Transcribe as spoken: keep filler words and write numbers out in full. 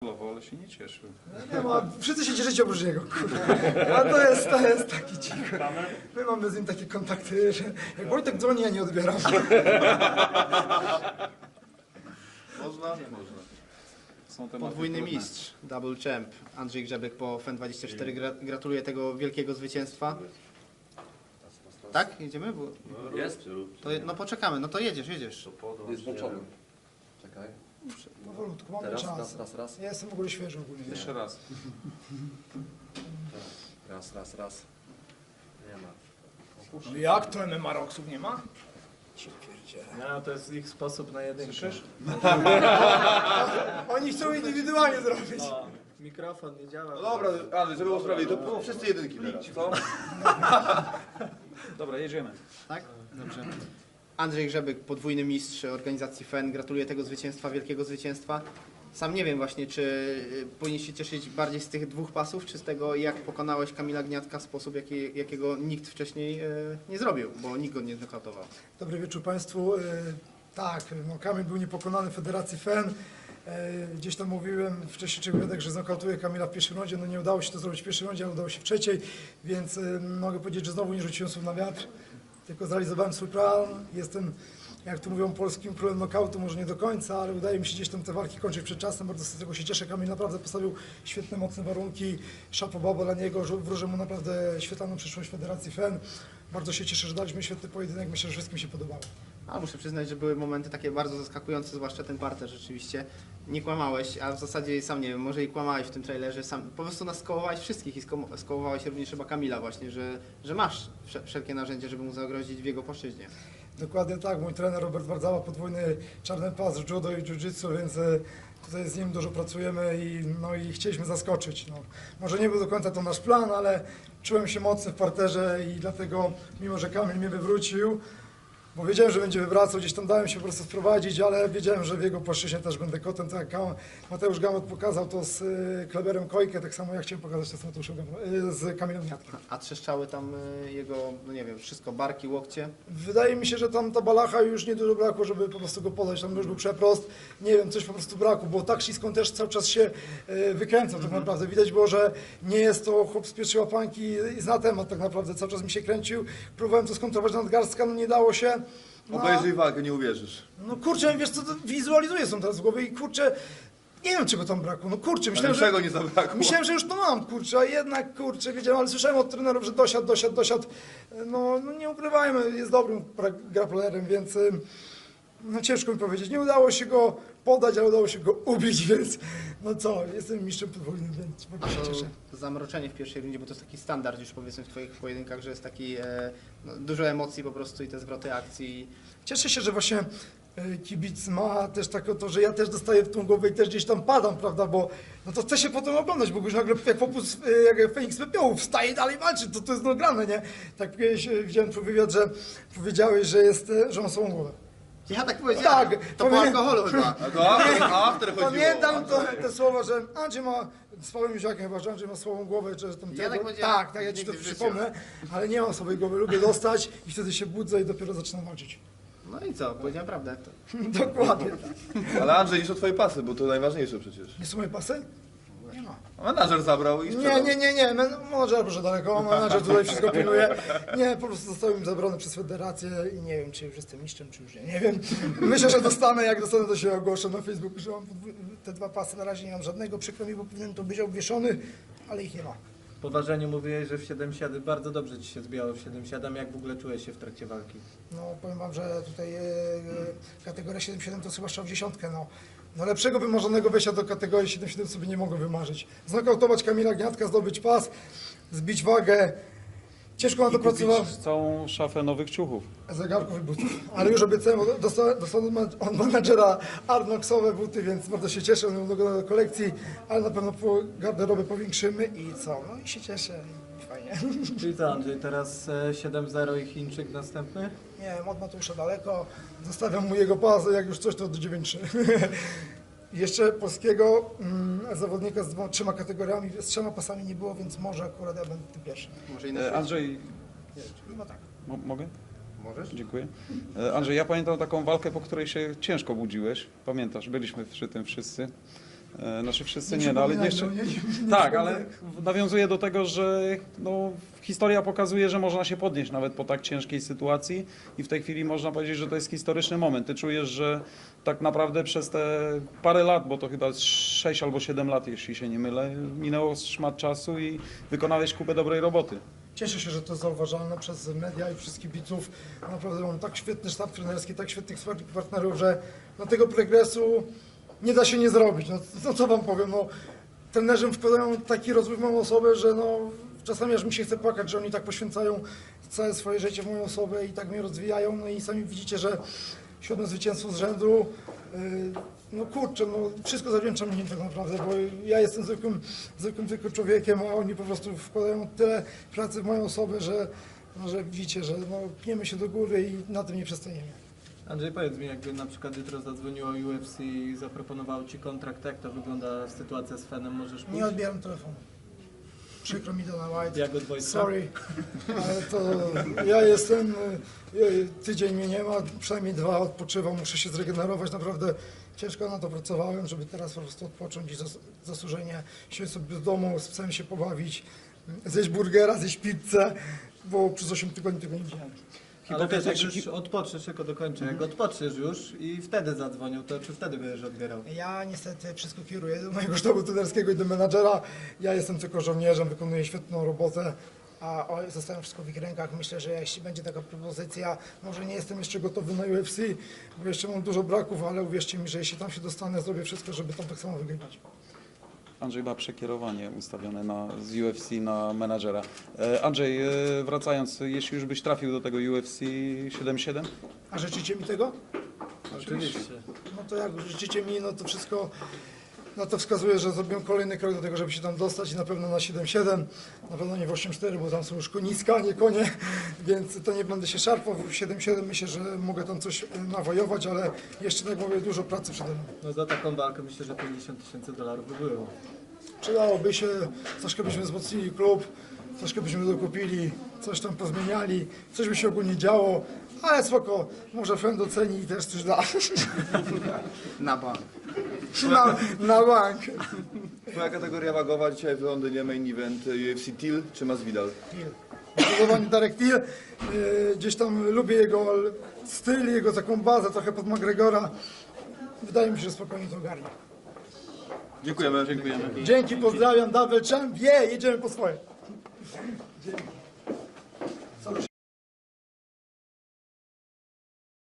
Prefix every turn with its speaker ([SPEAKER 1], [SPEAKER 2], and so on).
[SPEAKER 1] gratulował, ale się nie cieszył.
[SPEAKER 2] Nie ma, wszyscy się cieszycie oprócz niego. A to jest, to jest taki cichy. My mamy z nim takie kontakty, że jak Wojtek dzwoni, ja nie odbieram.
[SPEAKER 3] Można? Można.
[SPEAKER 1] Są tematy
[SPEAKER 4] Podwójny
[SPEAKER 1] trudne.
[SPEAKER 4] mistrz, double champ, Andrzej Grzebek po F E N dwadzieścia cztery. Gra, gratuluję tego wielkiego zwycięstwa. Tak? Jedziemy? Bo,
[SPEAKER 3] Jest?
[SPEAKER 4] to, no poczekamy, no to jedziesz, jedziesz.
[SPEAKER 3] Jest włączony. Czekaj.
[SPEAKER 2] Powolutku, mamy
[SPEAKER 3] Teraz,
[SPEAKER 2] czas.
[SPEAKER 3] raz, raz, raz.
[SPEAKER 2] Ja jestem w ogóle świeży ogólnie.
[SPEAKER 1] Jeszcze raz.
[SPEAKER 3] Raz, raz, raz. Nie ma.
[SPEAKER 2] No jak to M M A Rocksów nie ma?
[SPEAKER 5] No, to jest ich sposób na jedynkę.
[SPEAKER 1] Słyszysz?
[SPEAKER 2] Oni chcą indywidualnie zrobić.
[SPEAKER 5] No, mikrofon nie działa.
[SPEAKER 3] No dobra, Andrzej, żeby było sprawiedliwie, to było wszyscy jedynki teraz, co?
[SPEAKER 1] Dobra, jedziemy.
[SPEAKER 4] Tak? Dobrze. Andrzej Grzebek, podwójny mistrz organizacji F E N. Gratuluję tego zwycięstwa, wielkiego zwycięstwa. Sam nie wiem właśnie, czy y, powinien się cieszyć bardziej z tych dwóch pasów, czy z tego, jak pokonałeś Kamila Gniatka w sposób, jaki, jakiego nikt wcześniej y, nie zrobił, bo nikt go nie znokautował.
[SPEAKER 2] Dobry wieczór Państwu. E, Tak, no Kamil był niepokonany w Federacji F E N. E, Gdzieś tam mówiłem wcześniej czy wywiadek, że znokautuje Kamila w pierwszej rundzie. No nie udało się to zrobić w pierwszej rundzie, ale udało się w trzeciej, więc e, mogę powiedzieć, że znowu nie rzuciłem słów na wiatr, tylko zrealizowałem swój plan. Jestem, jak tu mówią, polskim królem nokautu, może nie do końca, ale udaje mi się gdzieś tam te walki kończyć przed czasem. Bardzo z tego się cieszę. Kamil naprawdę postawił świetne, mocne warunki. Chapeau baba dla niego, że wróżę mu naprawdę świetlaną przyszłość Federacji F E N. Bardzo się cieszę, że daliśmy świetny pojedynek. Myślę, że wszystkim się podobało.
[SPEAKER 4] A muszę przyznać, że były momenty takie bardzo zaskakujące, zwłaszcza ten parter rzeczywiście. Nie kłamałeś, a w zasadzie sam nie wiem, może i kłamałeś w tym trailerze, sam po prostu nas skołowałeś wszystkich i sko- skołowałeś również chyba Kamila właśnie, że, że masz wsze- wszelkie narzędzia, żeby mu zagrozić w jego płaszczyźnie.
[SPEAKER 2] Dokładnie tak, mój trener Robert Wardzała, podwójny czarny pas w judo i jiu-jitsu, więc e, tutaj z nim dużo pracujemy i, no, i chcieliśmy zaskoczyć. No. Może nie był do końca to nasz plan, ale czułem się mocny w parterze i dlatego, mimo że Kamil mnie wywrócił, bo wiedziałem, że będzie wywracał, gdzieś tam dałem się po prostu wprowadzić, ale wiedziałem, że w jego płaszczyźnie też będę kotem, tak jak Kam- Mateusz Gamot pokazał to z y, Kleberem Kojkę, tak samo ja chciałem pokazać to z Mateuszem Gamot, y, z Kamilem Gniatkiem.
[SPEAKER 4] A trzeszczały tam y, jego, no nie wiem, wszystko, barki, łokcie.
[SPEAKER 2] Wydaje mi się, że tam ta balacha już nie dużo brakło, żeby po prostu go podać, tam już był przeprost, nie wiem, coś po prostu brakło, bo tak ślisko on też cały czas się y, wykręcał tak naprawdę. Widać było, że nie jest to chłop z pierwszej łapanki i zna temat tak naprawdę, cały czas mi się kręcił, próbowałem to skontrować na nadgarstka, no nie dało się. No,
[SPEAKER 3] Obejrzyj walkę, nie uwierzysz.
[SPEAKER 2] no kurczę, wiesz co, to wizualizuję są teraz w głowie i kurczę, nie wiem czego tam brakło, no kurczę, myślałem,
[SPEAKER 3] Ale czego
[SPEAKER 2] że,
[SPEAKER 3] nie zabrakło?
[SPEAKER 2] myślałem, że już to mam, kurczę, a jednak kurczę, wiedziałem, ale słyszałem od trenerów, że dosiadł, dosiadł, dosiadł, no, no nie ukrywajmy, jest dobrym pra- grapplerem, więc ym, no ciężko mi powiedzieć, nie udało się go podać, ale udało się go ubić, więc no co, jestem mistrzem podwójnym, więc bardzo się cieszę.
[SPEAKER 4] To zamroczenie w pierwszej rundzie, bo to jest taki standard już powiedzmy w twoich pojedynkach, że jest taki e, no, dużo emocji po prostu i te zwroty akcji.
[SPEAKER 2] Cieszę się, że właśnie e, kibic ma też takie to, że ja też dostaję w tą głowę i też gdzieś tam padam, prawda, bo no to chce się potem oglądać, bo już nagle jak popus, e, jak Feniks Pepiołu wstaje i dalej walczy, to to jest nagrane, nie? Tak kiedyś e, widziałem twój wywiad, że powiedziałeś, że jest, e, że ma swoją głowę.
[SPEAKER 4] Ja tak powiedziałem,
[SPEAKER 2] Tak,
[SPEAKER 4] to po
[SPEAKER 2] powiem-
[SPEAKER 4] alkoholu chyba.
[SPEAKER 3] A to after, after chodziło.
[SPEAKER 2] Pamiętam to, te słowa, że Andrzej ma, z Pawłem Józiakiem chyba, że Andrzej ma swoją głowę, że tam
[SPEAKER 4] Ja
[SPEAKER 2] tego-
[SPEAKER 4] tak powiedziałem.
[SPEAKER 2] tak, tak, ja ci to
[SPEAKER 4] Nigdy w życiu.
[SPEAKER 2] przypomnę, ale nie mam swojej głowy, lubię dostać i wtedy się budzę i dopiero zaczynam walczyć.
[SPEAKER 4] No i co, powiedziałem prawdę. To...
[SPEAKER 2] Dokładnie tak.
[SPEAKER 3] Ale Andrzej, niż o twoje pasy, bo to najważniejsze przecież.
[SPEAKER 2] Nie są moje pasy? Nie ma.
[SPEAKER 3] A menadżer zabrał i
[SPEAKER 2] Nie,
[SPEAKER 3] sprzedał.
[SPEAKER 2] nie, nie, nie, Men- menadżer proszę daleko, menadżer tutaj wszystko pilnuje. Nie, po prostu zostały mi zabrane przez federację i nie wiem, czy już jestem mistrzem, czy już nie, nie wiem. Myślę, że dostanę, jak dostanę, to się ogłoszę na Facebooku, że mam podwó- te dwa pasy, na razie nie mam żadnego, przykro mi, bo powinien to być obwieszony, ale ich nie ma.
[SPEAKER 5] Po ważeniu mówiłeś, że w siedem siedem bardzo dobrze ci się zbijało w siedem siedem. Jak w ogóle czułeś się w trakcie walki?
[SPEAKER 2] No powiem wam, że tutaj e, e, kategoria siedem siedem to chyba strzał w dziesiątkę, no. No lepszego wymarzonego wejścia do kategorii siedem siedem sobie nie mogłem wymarzyć. Znokautować Kamila Gniatka, zdobyć pas, zbić wagę. Ciężko na to pracowałem.
[SPEAKER 1] Kupić całą szafę nowych ciuchów.
[SPEAKER 2] Zegarków i butów. Ale już obiecałem, bo dostałem, dostałem od menadżera Arnoxowe buty, więc bardzo się cieszę, one będą do kolekcji, ale na pewno po garderobę powiększymy i co? No i się cieszę i fajnie.
[SPEAKER 5] Czyli co, Andrzej, teraz e, siedem zero i Chińczyk następny?
[SPEAKER 2] Nie wiem, od Mateusza daleko, zostawiam mu jego pas, jak już coś to do dziewięć trzy. Jeszcze polskiego mm, zawodnika z dwoma, trzema kategoriami, z trzema pasami nie było, więc może akurat ja będę tym pierwszym.
[SPEAKER 4] Może i na
[SPEAKER 1] E,
[SPEAKER 4] świecie.
[SPEAKER 1] Andrzej,
[SPEAKER 2] No tak.
[SPEAKER 1] mo mogę?
[SPEAKER 4] Możesz?
[SPEAKER 1] Dziękuję. E, Andrzej, ja pamiętam taką walkę, po której się ciężko budziłeś. Pamiętasz, byliśmy przy tym wszyscy. E, Znaczy wszyscy
[SPEAKER 2] Nie
[SPEAKER 1] nie, no ale
[SPEAKER 2] przypominaj,
[SPEAKER 1] jeszcze...
[SPEAKER 2] no, nie- nie
[SPEAKER 1] Tak,
[SPEAKER 2] przypominaj.
[SPEAKER 1] ale nawiązuje do tego, że no, historia pokazuje, że można się podnieść nawet po tak ciężkiej sytuacji i w tej chwili można powiedzieć, że to jest historyczny moment. Ty czujesz, że tak naprawdę przez te parę lat, bo to chyba sześć albo siedem lat, jeśli się nie mylę, minęło szmat czasu i wykonałeś kupę dobrej roboty.
[SPEAKER 2] Cieszę się, że to jest zauważalne przez media i wszystkich widzów. Naprawdę mam tak świetny sztab trenerski, tak świetnych partnerów, że no, tego progresu nie da się nie zrobić. No, no co wam powiem, no, trenerzy wkładają taki rozwój w moją osobę, że no, czasami aż mi się chce płakać, że oni tak poświęcają całe swoje życie w moją osobę i tak mnie rozwijają. No i sami widzicie, że siódme zwycięstwo z rzędu. Yy, no kurczę, no wszystko zawdzięczam im tak naprawdę, bo ja jestem zwykłym, zwykłym tylko człowiekiem, a oni po prostu wkładają tyle pracy w moją osobę, że, no, że widzicie, że no, pniemy się do góry i na tym nie przestaniemy.
[SPEAKER 5] Andrzej, powiedz mi, jakby na przykład jutro zadzwoniło U F C i zaproponowało Ci kontrakt, jak to wygląda sytuacja z Fenem, możesz pójść?
[SPEAKER 2] Nie odbieram telefonu. Przykro mi, Dana White.
[SPEAKER 5] Jak od Wojtka?
[SPEAKER 2] Sorry, ale to ja jestem, y, tydzień mnie nie ma, przynajmniej dwa odpoczywam, muszę się zregenerować, naprawdę ciężko na to pracowałem, żeby teraz po prostu odpocząć i zas zasłużenie siedzieć sobie w domu, z psem się pobawić, zjeść burgera, zjeść pizzę, bo przez osiem tygodni tego nie widziałem.
[SPEAKER 5] Ale wiesz, jak
[SPEAKER 1] Hipotetycznie-
[SPEAKER 5] już odpoczniesz, tylko dokończę, jak odpoczniesz już i wtedy zadzwonił, to czy wtedy będziesz odbierał?
[SPEAKER 2] Ja niestety wszystko kieruję do mojego sztabu trenerskiego i do menadżera. Ja jestem tylko żołnierzem, wykonuję świetną robotę, a o, zostawiam wszystko w ich rękach. Myślę, że jeśli będzie taka propozycja, może nie jestem jeszcze gotowy na U F C, bo jeszcze mam dużo braków, ale uwierzcie mi, że jeśli tam się dostanę, zrobię wszystko, żeby tam tak samo wygrywać.
[SPEAKER 1] Andrzej ma przekierowanie ustawione na, z U F C na menadżera. E, Andrzej, e, wracając, jeśli już byś trafił do tego U F C siedem siedem?
[SPEAKER 2] A życzycie mi tego?
[SPEAKER 5] Oczywiście.
[SPEAKER 2] No to jak życzycie mi, no to wszystko na to wskazuje, że zrobiłem kolejny krok do tego, żeby się tam dostać i na pewno na siedem siedem, na pewno nie w osiem cztery, bo tam są już koniska, a nie konie, więc to nie będę się szarpał. W siedem siedem myślę, że mogę tam coś e, nawojować, ale jeszcze, tak jak mówię, dużo pracy przede mną.
[SPEAKER 5] No za taką walkę myślę, że pięćdziesiąt tysięcy dolarów by było.
[SPEAKER 2] Przydałoby się, troszkę byśmy wzmocnili klub, troszkę byśmy dokupili, coś tam pozmieniali, coś by się ogólnie działo, ale spoko, może Fen doceni i też coś da.
[SPEAKER 4] Na bank.
[SPEAKER 2] Na, na bank.
[SPEAKER 3] Twoja kategoria wagowa dzisiaj w Londynie, main event U F C Till czy Masvidal?
[SPEAKER 2] Zdecydowanie Darek Till. Yy, gdzieś tam lubię jego styl, jego taką bazę, trochę pod McGregora. Wydaje mi się, że spokojnie to ogarnie.
[SPEAKER 3] Dziękujemy.
[SPEAKER 1] Dziękujemy.
[SPEAKER 2] Dzięki, pozdrawiam, double champ, je, jedziemy po swoje. Dzięki.